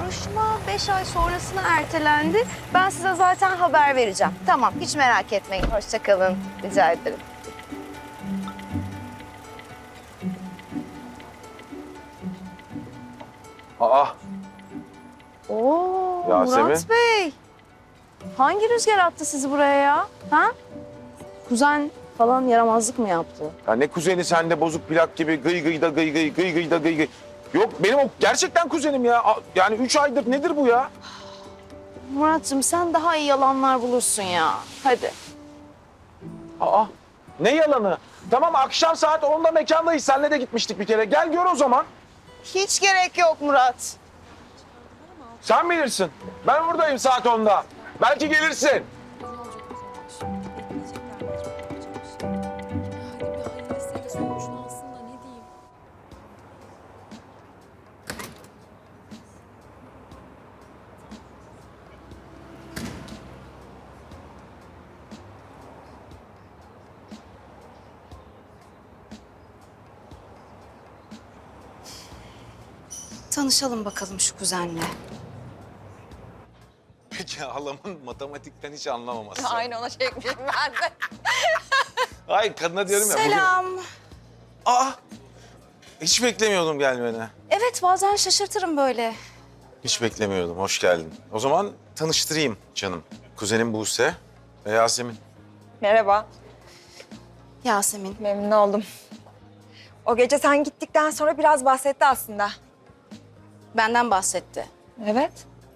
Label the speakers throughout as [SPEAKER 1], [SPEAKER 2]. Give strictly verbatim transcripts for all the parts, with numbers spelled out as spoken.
[SPEAKER 1] Görüşme beş ay sonrasına ertelendi. Ben size zaten haber vereceğim. Tamam, hiç merak etmeyin. Hoşça kalın. Rica ederim.
[SPEAKER 2] Aa,
[SPEAKER 1] Oo,
[SPEAKER 2] Yasemin.
[SPEAKER 1] Murat Bey. Hangi rüzgar attı sizi buraya ya? Ha? Kuzen falan yaramazlık mı yaptı?
[SPEAKER 2] ya ne kuzeni sende bozuk plak gibi gıy gıy da gıy gıy gıy gıy da gıy gıy. Yok benim o gerçekten kuzenim ya. A- Yani üç aydır nedir bu ya?
[SPEAKER 1] Muratcığım sen daha iyi yalanlar bulursun ya. Hadi.
[SPEAKER 2] Aa, ne yalanı? Tamam akşam saat onda mekandayız. Senle de gitmiştik bir kere. Gel gör o zaman.
[SPEAKER 1] Hiç gerek yok Murat.
[SPEAKER 2] Sen bilirsin. Ben oradayım saat onda. Belki gelirsin.
[SPEAKER 1] Tanışalım bakalım şu kuzenle.
[SPEAKER 2] Peki halamın matematikten hiç anlamaması.
[SPEAKER 3] Aynı ona çekmişim ben de.
[SPEAKER 2] Ay kadına diyorum ya.
[SPEAKER 1] Selam.
[SPEAKER 2] Bugün... Aa, hiç beklemiyordum gelmeni.
[SPEAKER 1] Evet bazen şaşırtırım böyle.
[SPEAKER 2] Hiç beklemiyordum. Hoş geldin. O zaman tanıştırayım canım. Kuzenim Buse ve Yasemin.
[SPEAKER 3] Merhaba,
[SPEAKER 1] Yasemin.
[SPEAKER 3] memnun oldum. O gece sen gittikten sonra biraz bahsetti aslında.
[SPEAKER 1] Benden bahsetti.
[SPEAKER 3] Evet.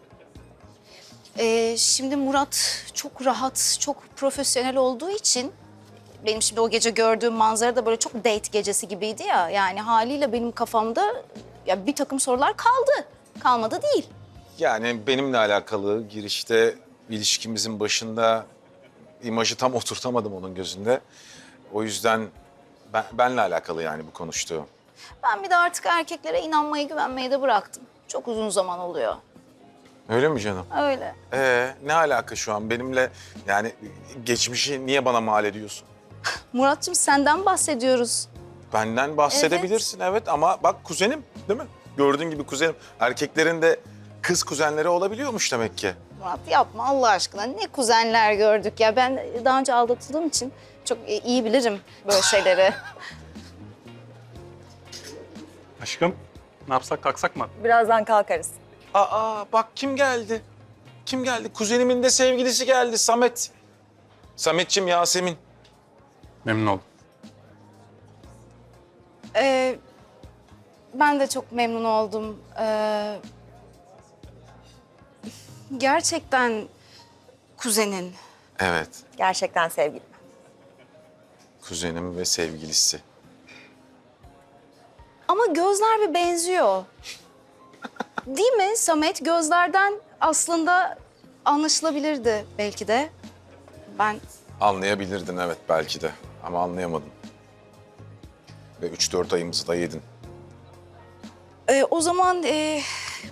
[SPEAKER 1] Ee, şimdi Murat çok rahat, çok profesyonel olduğu için... Benim şimdi o gece gördüğüm manzara da böyle çok date gecesi gibiydi ya. Yani haliyle benim kafamda ya bir takım sorular kaldı. Kalmadı değil.
[SPEAKER 2] Yani benimle alakalı girişte ilişkimizin başında imajı tam oturtamadım onun gözünde. O yüzden ben, benle alakalı yani bu konuştuğu.
[SPEAKER 1] Ben bir de artık erkeklere inanmayı, güvenmeyi de bıraktım. Çok uzun zaman oluyor.
[SPEAKER 2] Öyle mi canım?
[SPEAKER 1] Öyle.
[SPEAKER 2] Ee, ne alaka şu an benimle yani geçmişi niye bana mal ediyorsun?
[SPEAKER 1] Muratcığım senden bahsediyoruz.
[SPEAKER 2] Benden bahsedebilirsin evet, ama bak kuzenim değil mi? Gördüğün gibi kuzenim. Erkeklerin de kız kuzenleri olabiliyormuş demek ki.
[SPEAKER 1] Murat yapma Allah aşkına. Ne kuzenler gördük ya. Ben daha önce aldatıldığım için çok iyi bilirim böyle şeyleri.
[SPEAKER 4] Aşkım, ne yapsak kalksak mı?
[SPEAKER 3] Birazdan kalkarız.
[SPEAKER 2] Aa bak kim geldi? Kim geldi? Kuzenimin de sevgilisi geldi Samet. Sametçim Yasemin.
[SPEAKER 4] Memnun oldum.
[SPEAKER 1] Ee, ben de çok memnun oldum. Ee, gerçekten kuzenin.
[SPEAKER 2] Evet,
[SPEAKER 3] Gerçekten sevgilim.
[SPEAKER 2] kuzenim ve sevgilisi.
[SPEAKER 1] Ama gözler bir benziyor. Değil mi Samet? Gözlerden aslında anlaşılabilirdi belki de. Ben
[SPEAKER 2] Anlayabilirdin evet belki de ama anlayamadın. Ve üç dört ayımızı da yedin.
[SPEAKER 1] e, o zaman e,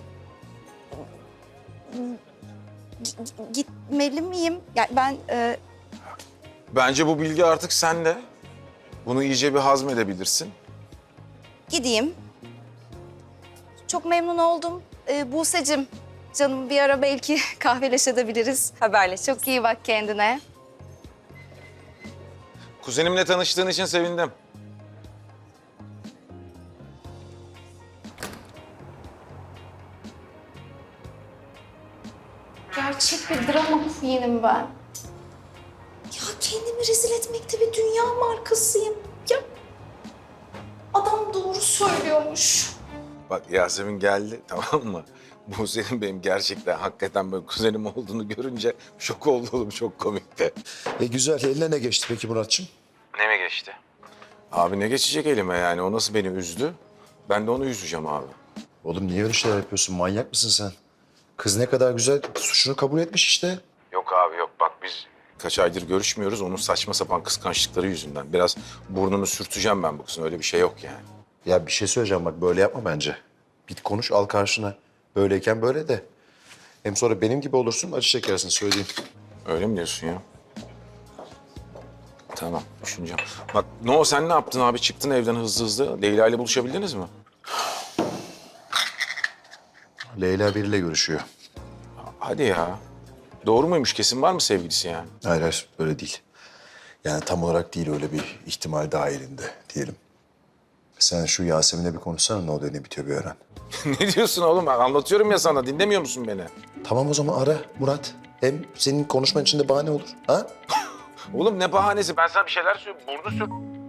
[SPEAKER 1] g- gitmeli miyim? Yani ben e,
[SPEAKER 2] Bence bu bilgi artık sende. Bunu iyice bir hazmedebilirsin.
[SPEAKER 1] gideyim. Çok memnun oldum. E, Buse'cim, canım bir ara belki kahveleşebiliriz.
[SPEAKER 3] Haberleş.
[SPEAKER 1] Çok iyi bak kendine.
[SPEAKER 2] Kuzenimle tanıştığın için sevindim.
[SPEAKER 1] Gerçek bir drama queen'im ben. Ya kendimi rezil etmekte bir dünya markasıyım. Ya adam doğru söylüyormuş.
[SPEAKER 2] Bak Yasemin geldi tamam mı? Bu senin benim gerçekten hakikaten böyle kuzenim olduğunu görünce şok oldum, çok komikti.
[SPEAKER 5] E güzel. Eline ne geçti peki Muratçım?
[SPEAKER 2] Ne mi geçti? Abi ne geçecek elime yani? O nasıl beni üzdü? Ben de onu üzeceğim abi.
[SPEAKER 5] Oğlum niye öyle şeyler yapıyorsun? Manyak mısın sen? Kız ne kadar güzel suçunu kabul etmiş işte.
[SPEAKER 2] Yok abi yok. Bak biz kaç aydır görüşmüyoruz. Onun saçma sapan kıskançlıkları yüzünden. Biraz burnunu sürteceğim ben bu kızın. Öyle bir şey yok yani.
[SPEAKER 5] Ya bir şey söyleyeceğim bak böyle yapma bence. Git konuş al karşına. Böyleyken böyle de. Hem sonra benim gibi olursun acı çekersin söyleyeyim.
[SPEAKER 2] Öyle mi diyorsun ya? Tamam, düşüneceğim. Bak, ne o sen ne yaptın abi? Çıktın evden hızlı hızlı. Leyla ile buluşabildiniz mi?
[SPEAKER 5] Leyla biriyle görüşüyor.
[SPEAKER 2] Hadi ya. Doğru muymuş? Kesin var mı sevgilisi yani?
[SPEAKER 5] Hayır, hayır öyle değil. Yani tam olarak değil, öyle bir ihtimal dahilinde diyelim. Sen şu Yasemin'le bir konuşsana, ne oluyor ne bitiyor bir öğren.
[SPEAKER 2] Ne diyorsun oğlum? Anlatıyorum ya sana. Dinlemiyor musun beni?
[SPEAKER 5] Tamam o zaman ara Murat. Hem senin konuşman için de bahane olur. Ha?
[SPEAKER 2] Oğlum ne bahanesi? Ben sana bir şeyler söylüyorum. Burnu sür.